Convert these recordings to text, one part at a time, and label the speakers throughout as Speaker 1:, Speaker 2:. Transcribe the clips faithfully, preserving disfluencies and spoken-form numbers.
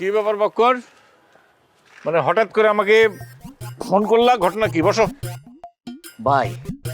Speaker 1: কি ব্যাপার বক্কর? মানে হঠাৎ করে আমাকে ফোন করলা, ঘটনা কি? বসো।
Speaker 2: ভাই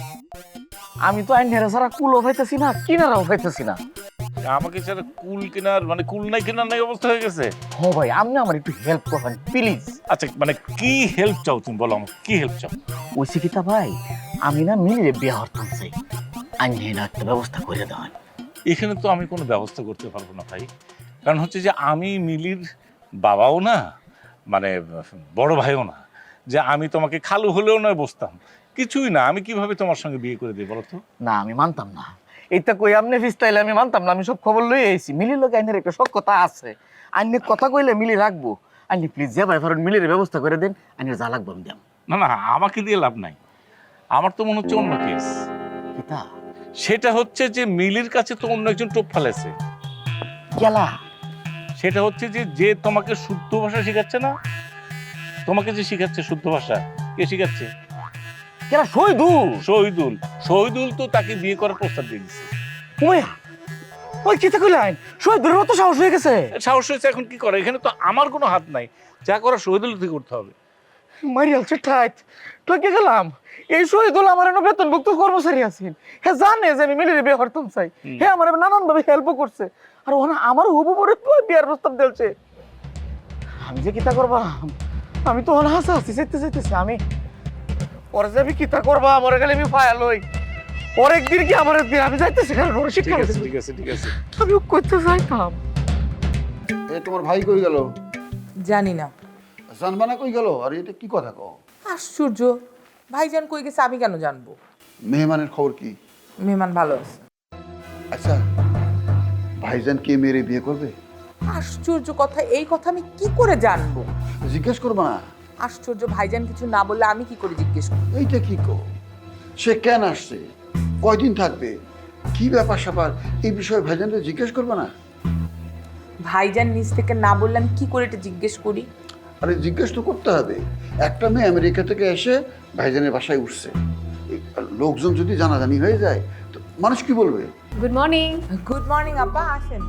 Speaker 2: আমি তো আইন হেরা ছাড়া কুলও পাইতেছি না, কিনারাও পাইতেছি না।
Speaker 1: আমাকে ছাড়া কুল কেনার মানে কুল নাই কেনার নাই অবস্থা হয়ে গেছে।
Speaker 2: হ ভাই, আপনি আমার একটু হেল্প করবেন প্লিজ।
Speaker 1: আচ্ছা মানে কি হেল্প চাও তুমি, বলো আমাকে কি হেল্প চাও?
Speaker 2: ওই শিক্ষিতা ভাই, আমি না মিলিয়ে বিয়ে হরতাম চাই, আইন হেরা একটা ব্যবস্থা করে দেওয়ান।
Speaker 1: এখানে তো আমি কোনো ব্যবস্থা করতে পারবো না ভাই, কারণ হচ্ছে যে আমি মিলির বাবাও না, মানে বড় ভাইও না, যে আমি তোমাকে খালু হলেও নয় বসতাম, কিছুই না। আমি কিভাবে তোমার সঙ্গে বিয়ে করে দিই বলো তো?
Speaker 2: না আমি মানতাম না, এইটা কই আপনি ফিস্তাইলে আমি মানতাম না। আমি সব খবর লই আইছি, মিলির লোক আইনের একটা সব কথা আছে, আইনের কথা কইলে মিলি রাখবো। আইনি প্লিজ যে ভাই ফরন মিলির ব্যবস্থা করে দেন, আইনের যা লাগবে আমি দাম।
Speaker 1: না না, আমাকে দিয়ে লাভ নাই, আমার তো মনে হচ্ছে অন্য কেস।
Speaker 2: কিতা
Speaker 1: সেটা হচ্ছে যে মিলির কাছে তো অন্য একজন টোপ ফেলেছে।
Speaker 2: গেলা
Speaker 1: সেটা হচ্ছে যে যে তোমাকে শুদ্ধ ভাষা শেখাচ্ছে না, তোমাকে যে শিখাচ্ছে শুদ্ধ ভাষা, কে শিখাচ্ছে?
Speaker 2: গেলা শহীদু
Speaker 1: শহীদুল। শহীদুল তো তাকে বিয়ে করার প্রস্তাব দিয়ে দিচ্ছে।
Speaker 2: ওই ওই কিতা কইলেন, শহীদুর মতো সাহস হয়ে গেছে।
Speaker 1: সাহস হয়েছে, এখন কি করে? এখানে তো আমার কোনো হাত নাই, যা করার শহীদুল থেকে করতে হবে।
Speaker 2: মারিয়াল ঠাইত ঠকে গেলাম। এই শহীদুল আমার এনে বেতনভুক্ত কর্মচারী আছেন, হ্যাঁ জানে যে আমি মিলিয়ে বিয়ে করতাম চাই, হ্যাঁ আমার নানান ভাবে হেল্প করছে, আর ওনা আমার হুবু পরে বিয়ার প্রস্তাব দিলছে। আমি যে কিতা করবা, আমি তো অনা হাসা হাসি চাইতে চাইতেছি। আমি পরে যাবি কিতা করবা, মরে গেলে আমি ফায়াল হই। পরে একদিন কি আমার একদিন আমি যাইতেছি, কারণ ওর শিক্ষা
Speaker 1: ঠিক আছে ঠিক আছে ঠিক আছে।
Speaker 2: আমি করতে চাইতাম।
Speaker 3: এ তোমার ভাই কই গেল?
Speaker 4: জানি না।
Speaker 3: জানবানা কই গেল? আর এটা কি কথা কও?
Speaker 4: আশ্চর্য, ভাইজান কই গেছে আমি কেন জানবো?
Speaker 3: মেহমানের খবর কি?
Speaker 4: মেহমান ভালো আছে।
Speaker 3: আচ্ছা, ভাইজান কে মেরে বিয়ে করবে?
Speaker 4: আশ্চর্য কথা, এই কথা আমি কি করে জানবো?
Speaker 3: জিজ্ঞেস করবা না?
Speaker 4: আশ্চর্য, ভাইজান কিছু না বললে আমি কি করে জিজ্ঞেস করব?
Speaker 3: এইটা কি কো? সে কেন আসছে, কয়দিন থাকবে, কি ব্যাপার স্যাপার, এই বিষয়ে ভাইজানকে জিজ্ঞেস করবা না?
Speaker 4: ভাইজান নিজ থেকে না বললে আমি কি করে এটা জিজ্ঞেস করি?
Speaker 3: আরে জিজ্ঞেস তো করতে হবে। একটা মেয়ে আমেরিকা থেকে এসে ভাইজানের বাসায় উঠছে, এই লোকজন যদি জানাজানি হয়ে যায় তো মানুষ কি বলবে?
Speaker 5: Good morning.
Speaker 4: গুড মর্নিং আব্বা, আসেন।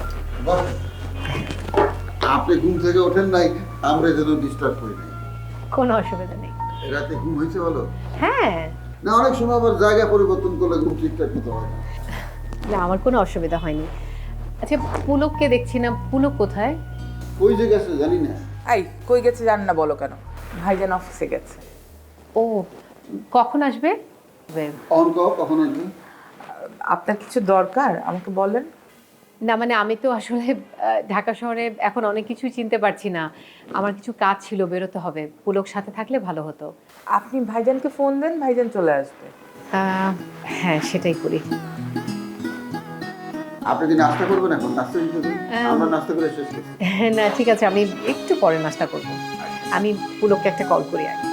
Speaker 3: আপনি ঘুম থেকে ওঠেন নাই, আমরা যেন ডিস্টার্ব করি নাই।
Speaker 5: কোনো অসুবিধা নেই।
Speaker 3: রাতে ঘুম হয়েছে বলো?
Speaker 5: হ্যাঁ,
Speaker 3: না, অনেক সময় আবার জায়গা পরিবর্তন করলে ঘুম ঠিকঠাক মতো হয় না।
Speaker 5: না আমার কোনো অসুবিধা হয়নি। আচ্ছা পুলককে দেখছি না, পুলক কোথায়?
Speaker 3: ওই যে গেছে জানি না।
Speaker 4: এই কই গেছে জান না বলো কেন? ভাইজান অফিসে গেছে।
Speaker 5: ও কখন আসবে?
Speaker 3: অন কও, কখন আসবে?
Speaker 4: আপনার কিছু দরকার আমাকে বলেন।
Speaker 5: না মানে আমি তো আসলে আহ, ঢাকা শহরে এখন অনেক কিছুই চিনতে পারছি না, আমার কিছু কাজ ছিল, বেরোতে হবে। পুলক সাথে থাকলে ভালো হতো।
Speaker 4: আপনি ভাইজানকে ফোন দেন, ভাইজান চলে আসবে।
Speaker 5: আহ, হ্যাঁ সেটাই করি।
Speaker 3: আপনি কি নাস্তা করবেন এখন? নাস্তা দিতে দিন। আমরা নাস্তা করে শেষ করছি।
Speaker 5: না ঠিক আছে, আমি একটু পরে নাস্তা করব। আমি পুলককে একটা কল করি আগে।